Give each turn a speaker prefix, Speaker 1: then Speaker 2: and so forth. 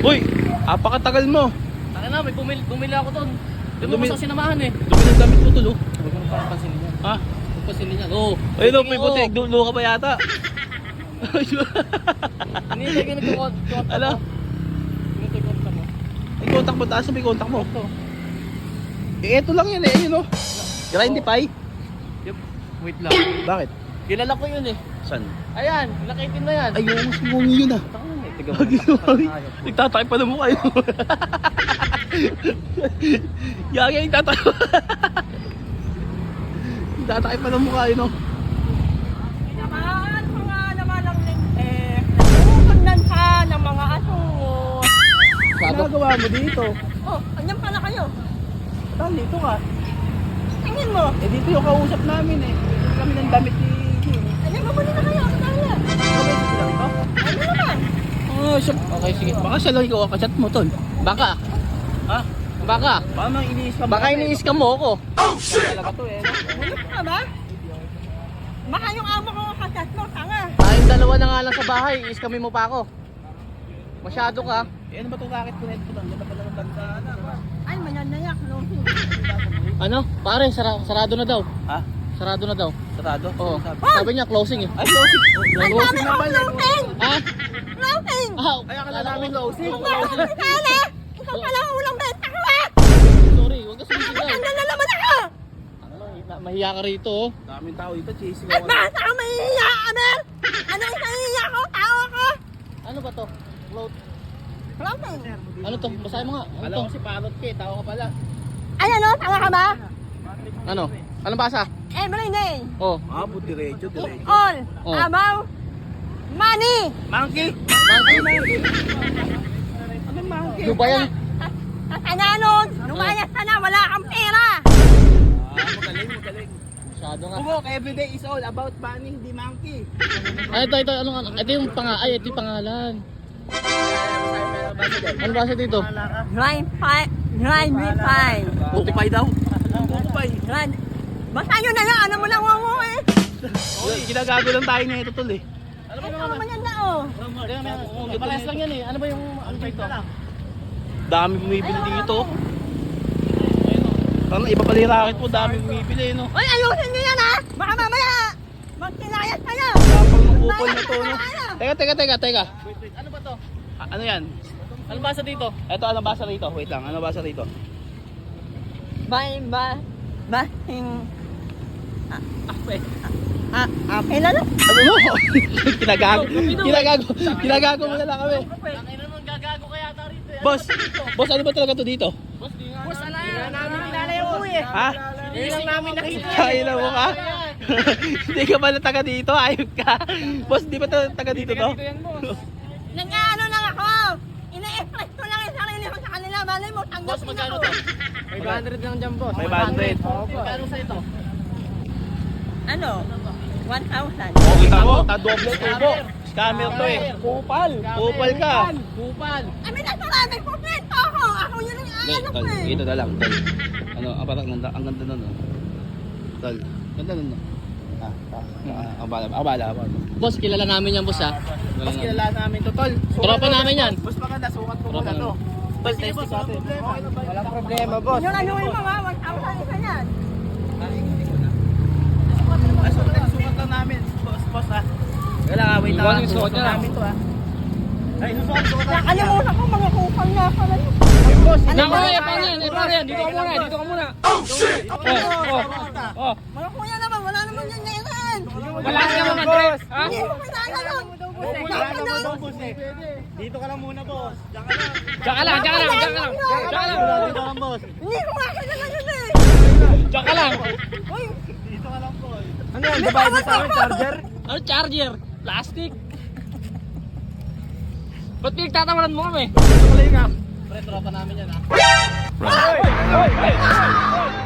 Speaker 1: Uy, apakatagal mo.
Speaker 2: Taka na, may bumili ako doon. Doon mo sa sinamahan eh.
Speaker 1: Dumi ng damit mo tol, oh.
Speaker 2: Huwag mo parang pansinin yan.
Speaker 1: Ha?
Speaker 2: Huwag pansinin yan. Oo.
Speaker 1: Ayun, oh, may putik. Dulo ka ba yata?
Speaker 2: Hindi, lagi nagkukontak
Speaker 1: Ala?
Speaker 2: mo. Nagkukontak mo.
Speaker 1: May contact mo, taas na may contact mo.
Speaker 2: Ito.
Speaker 1: Eh, eto lang yan eh, ayun oh. Grindify.
Speaker 2: Yup. Wait lang.
Speaker 1: Bakit?
Speaker 2: Kilala ko yun eh.
Speaker 1: Saan?
Speaker 2: Ayan, nakitin na yan.
Speaker 1: Ay, yung simungi yun ah.
Speaker 2: Taka na eh. Tiga mo.
Speaker 1: Nagtatakip pa ng mukha yun. Yagi, nagtatakip. Nagtatakip pa ng mukha yun oh.
Speaker 3: Naman, mga naman ang lente. Nagpupundan ka ng mga asungot.
Speaker 1: Nagawa mo dito.
Speaker 3: Oh, andyan pala kayo.
Speaker 1: Saan dito ka?
Speaker 3: Tingin mo.
Speaker 1: Eh dito yung kausap namin eh. Dito kami ng damit ni Jim.
Speaker 3: Andyan, mabuli na kayo. Ako dahil. Ano naman?
Speaker 1: Oh, siya. Okay, sige. Baka siya lang ikaw kakachat mo, tol.
Speaker 2: Baka.
Speaker 1: Ha?
Speaker 2: Baka.
Speaker 1: Paano iniis ka?
Speaker 2: Baka iniis-scam mo ako.
Speaker 1: Talaga to eh.
Speaker 3: Ulit ka ba? Baka yung amo ko kasat mo, tanga.
Speaker 2: Tayong dalawa na nga lang sa bahay. I-scamin mo pa ako. Masyado ka.
Speaker 1: Eh ano ba itong racket ko na ito? Ang ganda pala ng tandaan ah.
Speaker 3: Ay, mananayak, no?
Speaker 2: Ano? Pare, sarado na daw.
Speaker 1: Ha?
Speaker 2: Sarado na daw.
Speaker 1: Sarado?
Speaker 2: Oo.
Speaker 1: Sabi.
Speaker 2: Sabi niya closing eh.
Speaker 1: Ay, closing.
Speaker 3: Ang dami ko floating!
Speaker 2: Ha?
Speaker 3: Floating!
Speaker 2: Ah,
Speaker 1: Ay, akala namin closing.
Speaker 3: Bakit kala? Ikaw pala ang ulang benta ko eh!
Speaker 2: sorry, huwag ka sumisigaw.
Speaker 3: Matanda na naman ako!
Speaker 2: Mahiya ka rito oh.
Speaker 1: Daming tao dito, chasing
Speaker 3: At
Speaker 1: ako.
Speaker 3: bakit ako mahihiya, Amel? Ano yung nahihiya ko? Tao ako?
Speaker 2: Ano ba to? Float.
Speaker 3: Floating!
Speaker 2: Ano to? Basahin mo nga. Ano
Speaker 1: Alam
Speaker 2: to?
Speaker 1: ko si Parot ka eh, tao ka pala.
Speaker 3: Ay, ano? Tanga ka ba?
Speaker 2: Ano? Anong basa?
Speaker 3: Every day,
Speaker 2: Oh.
Speaker 1: Ah, diretso, diretso.
Speaker 3: all
Speaker 2: Oh.
Speaker 3: about money!
Speaker 1: Monkey!
Speaker 2: Monkey.
Speaker 1: Anong monkey?
Speaker 2: Ano ba yan?
Speaker 3: Tatanda nun, lumayas ka na, wala kang pera!
Speaker 1: Ah, magaling.
Speaker 2: Masyado nga.
Speaker 1: Kumok, everyday is all about money, hindi monkey.
Speaker 2: Ay, ito. Ito yung ito yung pangalan. Ano basa dito?
Speaker 3: Grind me fine.
Speaker 1: Pupay daw. Pupay.
Speaker 3: Grind. Basta yun na lang, ano mo lang wango eh.
Speaker 1: Ginagago lang tayo na ito tol eh.
Speaker 2: Ano ba
Speaker 3: Ano
Speaker 2: naman?
Speaker 3: naman yan na oh.
Speaker 2: Parehas lang yan eh. Ano ba yung ano dito?
Speaker 1: Dami bumibili dito. Ano, iba pala yung racket mo, dami bumibili no.
Speaker 3: Uy, ayusin nyo yan ha! Baka mamaya, magkinayas kayo!
Speaker 1: Tapang ng kupol na to no. Teka.
Speaker 2: Ano ba to?
Speaker 1: Ano yan?
Speaker 2: Ano basa dito?
Speaker 1: Ito, ano basa rito? Wait lang, ano basa rito?
Speaker 3: Basing... Apela na?
Speaker 1: Ano mo? Kinagago mo na lang kami.
Speaker 2: Tangina nun, gagago kaya ata rito eh.
Speaker 1: Boss, ano ba talaga to dito?
Speaker 2: Boss, di nga. Boss, ala yan. Namin kilala yung buhay eh.
Speaker 1: Ha?
Speaker 2: Hindi lang namin nakita.
Speaker 1: Kaya mo ka? Hindi ka ba na taga dito? Ayop ka. Boss, di ba taga dito to?
Speaker 2: Dito yan, boss.
Speaker 3: Nag-ano lang ako! Ina-express ko lang yung sarili ko sa kanila. Malay mo,
Speaker 2: Boss,
Speaker 3: tanggapin
Speaker 2: magkano
Speaker 3: ako.
Speaker 2: to? 500 lang dyan, boss.
Speaker 1: 500.
Speaker 2: Magkano sa ito?
Speaker 3: Ano? 1,000.
Speaker 1: Oh, kita mo, tadoble tubo. Scammer to eh. Kupal ka.
Speaker 2: Kupal.
Speaker 3: Amin na sarami, kompleto ako! Ako yun ang ano ko eh!
Speaker 1: Ito na lang, tol. Ano, parang ang ganda nun. Oh. Tol, ganda nun. No? Abala.
Speaker 2: Boss, kilala namin yan, boss ha.
Speaker 1: Mas kilala namin to, tol.
Speaker 2: Tropa namin yan.
Speaker 1: Mas maganda, sukat ko
Speaker 2: Tropa
Speaker 1: muna to. Tol, testing natin. Walang problema, boss.
Speaker 3: Yung anuhin mo nga, 1,000 isa yan.
Speaker 1: Sukat lang namin, boss ha. Wala nga, wait
Speaker 2: Iwan
Speaker 1: lang.
Speaker 2: yung sukat niya.
Speaker 1: namin to ha. Ay, sukat namin.
Speaker 3: Nakalimutan ko, mga kupal nga pala yun.
Speaker 1: Boss,
Speaker 2: Naku, paano yan? Dito ka muna. Oh.
Speaker 3: Mga kuya naman, wala naman yan ngayon.
Speaker 2: Wala ka naman, Andres. Ha?
Speaker 3: Hindi ko kilala yun.
Speaker 1: Dito ka lang muna, boss.
Speaker 2: Diyan ka lang.
Speaker 1: boss.
Speaker 3: Hindi ko nga kilala yun eh.
Speaker 2: Diyan ka lang.
Speaker 3: Uy,
Speaker 1: Dito ka lang, boss.
Speaker 3: ano yan, babae mo sa akin, charger?
Speaker 2: Ano charger? Plastic. Ba't pinagtatawanan mo kami?
Speaker 1: Ito ka lang.
Speaker 2: Pre, tropa namin yan ha.
Speaker 1: Hoy!